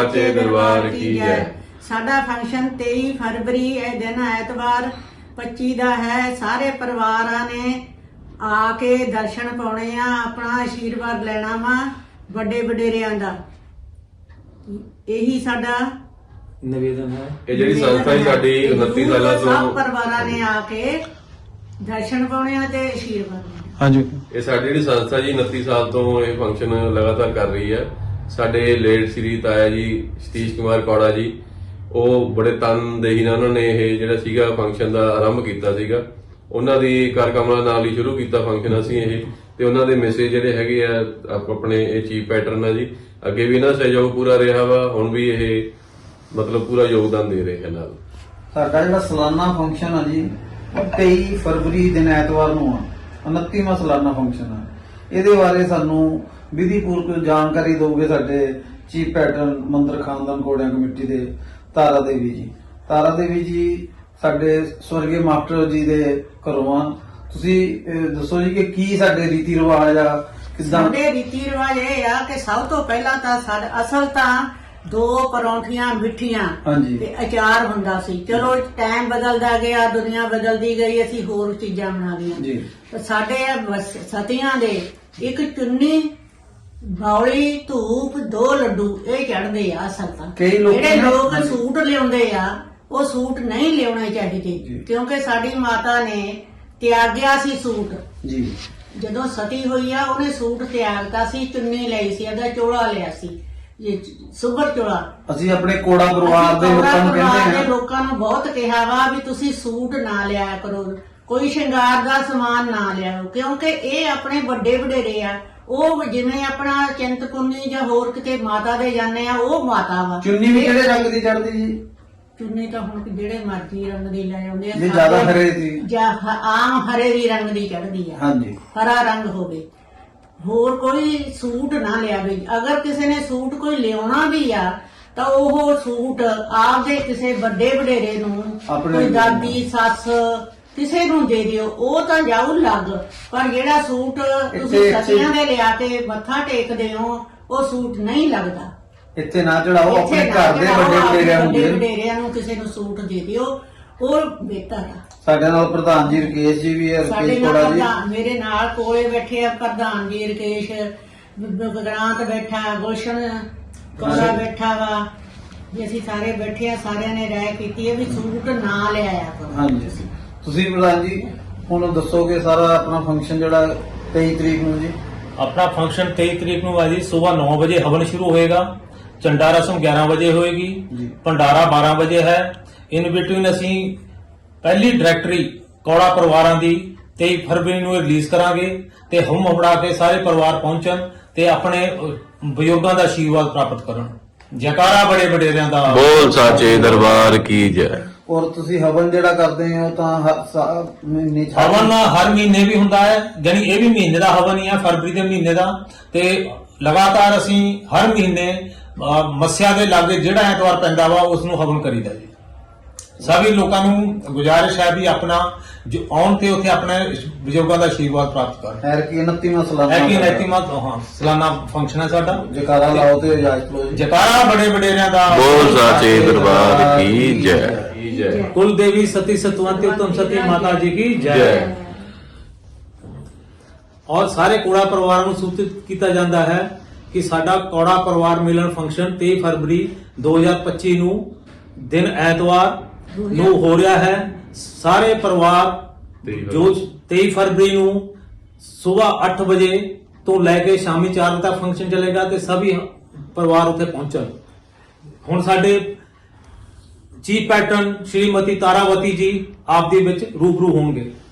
साचे दरबार की जय। साडा फंक्शन 23 फरवरी दिन ऐतवार 25 ਦਾ है। सारे परिवारां ने आके दर्शन पाने आ, अपना आशीर्वाद लेना वा ਵੱਡੇ ਵਡੇਰਿਆਂ ਦਾ। ਇਹੀ ਸਾਡਾ ਨਿਵੇਦਨ ਹੈ। ਇਹ ਜਿਹੜੀ ਸੰਸਥਾ ਹੈ ਸਾਡੀ 29 ਸਾਲਾਂ ਤੋਂ ਸਭ ਪਰਿਵਾਰਾਂ ਨੇ ਆ ਕੇ ਦਰਸ਼ਨ ਪਾਉਣੇ ਆ ਤੇ ਆਸ਼ੀਰਵਾਦ ਲੈਣਾ। ਹਾਂਜੀ, ਇਹ ਸਾਡੀ ਜਿਹੜੀ ਸੰਸਥਾ ਜੀ 29 ਸਾਲ ਤੋਂ ਇਹ ਫੰਕਸ਼ਨ ਲਗਾਤਾਰ ਕਰ ਰਹੀ ਹੈ। ਸਾਡੇ ਲੇਟ ਸ੍ਰੀ ਤਾਇਆ ਜੀ ਸਤੀਸ਼ ਕੁਮਾਰ ਕੌੜਾ ਜੀ, ਉਹ ਬੜੇ ਤਨਦੇਹੀ ਨਾਲ ਉਹਨਾਂ ਨੇ ਇਹ ਜਿਹੜਾ ਸੀਗਾ ਫੰਕਸ਼ਨ ਦਾ ਆਰੰਭ ਕੀਤਾ ਸੀਗਾ। ਉਹਨਾਂ ਦੀ ਕਾਰਕਮਲਾ ਨਾਲ ਹੀ ਸ਼ੁਰੂ ਕੀਤਾ ਫੰਕਸ਼ਨ ਅਸੀਂ ਇਹ, ਤੇ ਉਹਨਾਂ ਦੇ ਮੈਸੇਜ ਜਿਹੜੇ ਹੈਗੇ ਆ ਆਪਣੇ ਇਹ ਚੀਫ ਪੈਟਰਨ ਆ ਜੀ, ਅੱਗੇ ਵੀ ਇਹਨਾਂ ਦਾ ਸਹਿਯੋਗ ਪੂਰਾ ਰਿਹਾ ਵਾ, ਹੁਣ ਵੀ ਇਹ ਮਤਲਬ ਪੂਰਾ ਯੋਗਦਾਨ ਦੇ ਰਹੇ ਨਾਲ। ਸਾਡਾ ਜਿਹੜਾ ਸਾਲਾਨਾ ਫੰਕਸ਼ਨ ਆ ਜੀ ਉਹ 23 ਫਰਵਰੀ ਦਿਨ ਐਤਵਾਰ ਨੂੰ ਆ, 29ਵਾਂ ਸਾਲਾਨਾ ਫੰਕਸ਼ਨ ਆ। ਇਹਦੇ ਬਾਰੇ ਸਾਨੂੰ ਵਿਧੀਪੂਰਵਕ ਜਾਣਕਾਰੀ ਦੋਗੇ ਸਾਡੇ ਚੀਫ ਪੈਟਰਨ ਮੰਦਰ ਖਾਨਦਾਨ ਕੋੜਿਆਂ ਕਮੇਟੀ ਦੇ ਤਾਰਾ ਦੇਵੀ ਜੀ। ਤਾਰਾ ਦੇਵੀ ਜੀ ਸਾਡੇ ਸਵਰਗੀ ਮਾਸਟਰ ਜੀ ਦੇ ਘਰੋਂ ਆ। ਤੁਸੀਂ ਦੱਸੋ ਜੀ ਕਿ ਕੀ ਸਾਡੇ ਰੀਤੀ ਰਿਵਾਜ ਆ, ਕਿੱਦਾਂ ਸਾਡੇ ਰੀਤੀ ਰਿਵਾਜ ਇਹ ਆ ਕਿ ਸਭ ਤੋਂ ਪਹਿਲਾਂ ਤਾਂ ਸਾਡਾ ਅਸਲ ਤਾਂ 2 ਪਰੌਂਠੀਆਂ ਮਿੱਠੀਆਂ ਹਾਂਜੀ ਤੇ ਅਚਾਰ ਹੁੰਦਾ ਸੀ। ਚਲੋ ਟਾਈਮ ਬਦਲਦਾ ਗਿਆ, ਦੁਨੀਆ ਬਦਲਦੀ ਗਈ, ਅਸੀਂ ਹੋਰ ਚੀਜ਼ਾਂ ਬਣਾ ਲਈਆਂ ਜੀ। ਤੇ ਸਾਡੇ ਸਤੀਆਂ ਦੇ ਇੱਕ ਚੁੰਨੀ, ਬੌਲੀ, ਧੂਪ, 2 ਲੱਡੂ ਇਹ ਚੜ੍ਹਦੇ ਆ ਅਸਲ ਤਾਂ। ਕਈ ਲੋਕ ਜਿਹੜੇ ਲੋਕ ਹਾਂਜੀ। ਸੂਟ ਲਿਆਉਂਦੇ ਆ ਉਹ ਸੂਟ ਨਹੀਂ ਲਿਆਉਣੇ ਚਾਹੀਦੇ, ਜੀ। ਕਿਉਂਕਿ ਸਾਡੀ ਮਾਤਾ ਨੇ ਤਿਆਗਿਆ ਸੀ ਸੂਟ। ਜੀ ਜਦੋਂ ਸਤੀ ਹੋਈ ਆ ਉਹਨੇ ਸੂਟ ਤਿਆਗਤਾ ਸੀ, ਚੁੰਨੀ ਲਈ ਸੀ, ਉਹਦਾ ਚੋਲਾ ਲਿਆ ਸੀ, ਇਹ ਸੁਭਰ ਚੋਲਾ। ਅਸੀਂ ਆਪਣੇ ਕੋੜਾ ਪਰਿਵਾਰ ਦੇ ਲੋਕਾਂ ਨੂੰ ਕਹਿੰਦੇ ਹਾਂ, ਲੋਕਾਂ ਨੂੰ ਬਹੁਤ ਕਿਹਾ ਵਾ ਵੀ ਤੁਸੀਂ ਸੂਟ ਨਾ ਲਿਆ ਕਰੋ, ਕੋਈ ਸ਼ਿੰਗਾਰ ਦਾ ਸਮਾਨ ਨਾ ਲਿਆਓ, ਕਿਉਂਕਿ ਇਹ ਆਪਣੇ ਵੱਡੇ ਵਡੇਰੇ ਆ। ਉਹ ਜਿਵੇਂ ਆਪਣਾ ਚਿੰਤਪੁਰਨੀ ਜਾਂ ਹੋਰ ਕਿਤੇ ਮਾਤਾ ਦੇ ਜਾਂਦੇ ਆ, ਉਹ ਮਾਤਾ ਵਾ। ਚੁੰਨੀ ਵੀ ਕਿਹੜੇ ਰੰਗ ਦੀ ਚੜ੍ਹਦੀ ਜੀ? ਚੁੰਨੀ ਤਾਂ ਹੁਣ ਜਿਹੜੇ ਮਰਜ਼ੀ ਰੰਗ ਦੀ ਲੈ ਆਉਂਦੇ ਆ, ਜੇ ਜ਼ਿਆਦਾ ਹਰੇ ਦੀ ਜਾਂ ਆਮ ਹਰੇ ਦੀ ਰੰਗ ਦੀ ਚੜ੍ਹਦੀ ਆ। ਹਾਂਜੀ ਹਰਾ ਰੰਗ ਹੋਵੇ, ਹੋਰ ਕੋਈ ਸੂਟ ਨਾ ਲਿਆਵੇ। ਅਗਰ ਕਿਸੇ ਨੇ ਸੂਟ ਕੋਈ ਲਿਆਉਣਾ ਵੀ ਆ ਤਾਂ ਉਹ ਸੂਟ ਆਪਦੇ ਕਿਸੇ ਵੱਡੇ ਵਡੇਰੇ ਨੂੰ, ਕੋਈ ਦਾਦੀ, ਸੱਸ, ਕਿਸੇ ਨੂੰ ਦੇ ਦਿਓ, ਉਹ ਤਾਂ ਜਾਊ ਲੱਗ। ਪਰ ਜਿਹੜਾ ਸੂਟ ਤੁਸੀਂ ਸਤੀਆਂ ਦੇ ਲਿਆ ਕੇ ਮੱਥਾ ਟੇਕਦੇ ਹੋ, ਉਹ ਸੂਟ ਨਹੀਂ ਲੱਗਦਾ। ਇੱਥੇ ਨਾ ਚੜਾਓ, ਆਪਣੇ ਘਰ ਦੇ ਵੱਡੇ ਵਡੇਰਿਆਂ ਨੂੰ ਕਿਸੇ ਨੂੰ ਸੂਟ ਦੇ ਦਿਓ, ਉਹ ਬਿਹਤਰ ਆ। ਸਾਡੇ ਨਾਲ ਪ੍ਰਧਾਨ ਜੀ ਰਕੇਸ਼ ਜੀ ਵੀ ਹੈ, ਸਾਡੇ ਰਕੇਸ਼ ਨਾਲ ਕੋੜਾ ਜੀ ਪ੍ਰਧਾਨ ਮੇਰੇ ਨਾਲ ਕੋਲੇ ਬੈਠੇ ਆ, ਪ੍ਰਧਾਨ ਜੀ ਰਕੇਸ਼, ਗਗਰਾਂਤ ਬੈਠਾ, ਗੁਲਸ਼ਨ ਕੋੜਾ ਬੈਠਾ ਵਾ ਜੀ, ਅਸੀਂ ਸਾਰੇ ਬੈਠੇ ਆ। ਸਾਰਿਆਂ ਨੇ ਰਾਏ ਕੀਤੀ ਹੈ ਵੀ ਸੂਟ ਨਾ ਲਿਆਇਆ ਕਰੋ। ਹਾਂਜੀ। ਤੁਸੀਂ ਪ੍ਰਧਾਨ ਜੀ ਹੁਣ ਦੱਸੋਗੇ ਸਾਰਾ ਆਪਣਾ ਫੰਕਸ਼ਨ ਜਿਹੜਾ 23 ਤਰੀਕ ਨੂੰ ਜੀ? ਆਪਣਾ ਫੰਕਸ਼ਨ 23 ਤਰੀਕ ਨੂੰ ਹੈ ਜੀ। ਸਵੇਰ 9 ਵਜੇ ਹਵਨ ਸ਼ੁਰੂ ਹੋਏਗਾ, ਝੰਡਾ ਰਸਮ 11 ਵਜੇ ਹੋਏਗੀ, ਭੰਡਾਰਾ 12 ਵਜੇ ਹੈ। ਇਨ ਬਿਟਵੀਨ ਅਸੀਂ ਪਹਿਲੀ ਡਾਇਰੈਕਟਰੀ ਕੌੜਾ ਪਰਿਵਾਰਾਂ ਦੀ 23 ਫਰਵਰੀ ਨੂੰ ਰਿਲੀਜ਼ ਕਰਾਂਗੇ ਤੇ ਹੁਮ ਹਮੜਾ ਕੇ ਸਾਰੇ ਪਰਿਵਾਰ ਪਹੁੰਚਣ ਤੇ ਆਪਣੇ ਬਜ਼ੁਰਗਾਂ ਦਾ ਆਸ਼ੀਰਵਾਦ ਪ੍ਰਾਪਤ ਕਰਨ। ਜੈਕਾਰਾ ਬੜੇ ਵਡੇਰਿਆਂ ਦਾ ਬੋਲ ਸਾਚੇ ਦਰਬਾਰ ਕੀ ਜੈ। ਔਰ ਤੁਸੀਂ ਹਵਨ ਜਿਹੜਾ ਕਰਦੇ ਹੋ ਤਾਂ ਮਹੀਨੇ ਹਵਨ ਹਰ ਮਹੀਨੇ ਵੀ ਹੁੰਦਾ ਹੈ, ਜਾਨੀ ਇਹ ਵੀ ਮਹੀਨੇ ਦਾ ਹਵਨ ਹੀ ਹੈ, ਫਰਵਰੀ ਦੇ ਮਹੀਨੇ ਦਾ। ਤੇ ਲਗਾਤਾਰ ਅਸੀਂ ਹਰ ਮਹੀਨੇ ਮੱਸਿਆ ਦੇ ਲਾਗੇ ਜਿਹੜਾ ਐਤਵਾਰ ਪੈਂਦਾ ਵਾ ਉਸ ਨੂੰ ਹਵਨ ਕਰੀਦਾ ਜੀ। ਸਭੀ ਲੋਕਾਂ ਨੂੰ ਗੁਜ਼ਾਰਿਸ਼ ਹੈ ਵੀ ਆਪਣਾ ਜੋ ਆਉਣ ਤੇ ਉੱਥੇ ਆਪਣੇ ਬਜ਼ੁਰਗਾਂ ਦਾ ਆਸ਼ੀਰਵਾਦ ਪ੍ਰਾਪਤ ਕਰਨ। ਹੈ ਕਿ 29ਵਾਂ ਸਾਲਾਨਾ ਹੈ ਕਿ 29ਵਾਂ ਸਾਲਾਨਾ ਫੰਕਸ਼ਨ ਹੈ ਸਾਡਾ। ਜੈਕਾਰਾ ਲਾਓ ਤੇ ਇਜਾਜ਼ਤ ਲਓ ਜੀ। ਜੈਕਾਰਾ ਬੜੇ ਵਡੇਰਿਆਂ ਦਾ ਬੋਲ ਸਾਚੇ ਦਰਬਾਰ ਕੀ ਜੈ। ਜੈ ਕੁਲ ਦੇवी सती सतवंती उत्तम सती माता जी की जय। और सारे कोड़ा परिवार ਨੂੰ ਸੂਚਿਤ ਕੀਤਾ ਜਾਂਦਾ ਹੈ ਕਿ ਸਾਡਾ ਕੋੜਾ ਪਰਿਵਾਰ ਮਿਲਣ ਫੰਕਸ਼ਨ 23 ਫਰਵਰੀ 2025 ਨੂੰ ਦਿਨ ਐਤਵਾਰ ਨੂੰ ਹੋ ਰਿਹਾ ਹੈ। ਸਾਰੇ ਪਰਿਵਾਰ ਜੋ 23 ਫਰਵਰੀ ਨੂੰ ਸਵੇਰ 8 ਵਜੇ ਤੋਂ ਲੈ ਕੇ ਸ਼ਾਮੀ 4 ਵਜੇ ਤੱਕ ਫੰਕਸ਼ਨ ਚੱਲੇਗਾ ਤੇ ਸਭੀ ਪਰਿਵਾਰ ਉੱਥੇ ਪਹੁੰਚਣ। ਹੁਣ ਸਾਡੇ ਚੀਫ ਪੈਟਰਨ ਸ਼੍ਰੀਮਤੀ ਤਾਰਾਵਤੀ ਜੀ ਆਪ ਦੇ ਵਿੱਚ ਰੂਬਰੂ ਹੋਣਗੇ।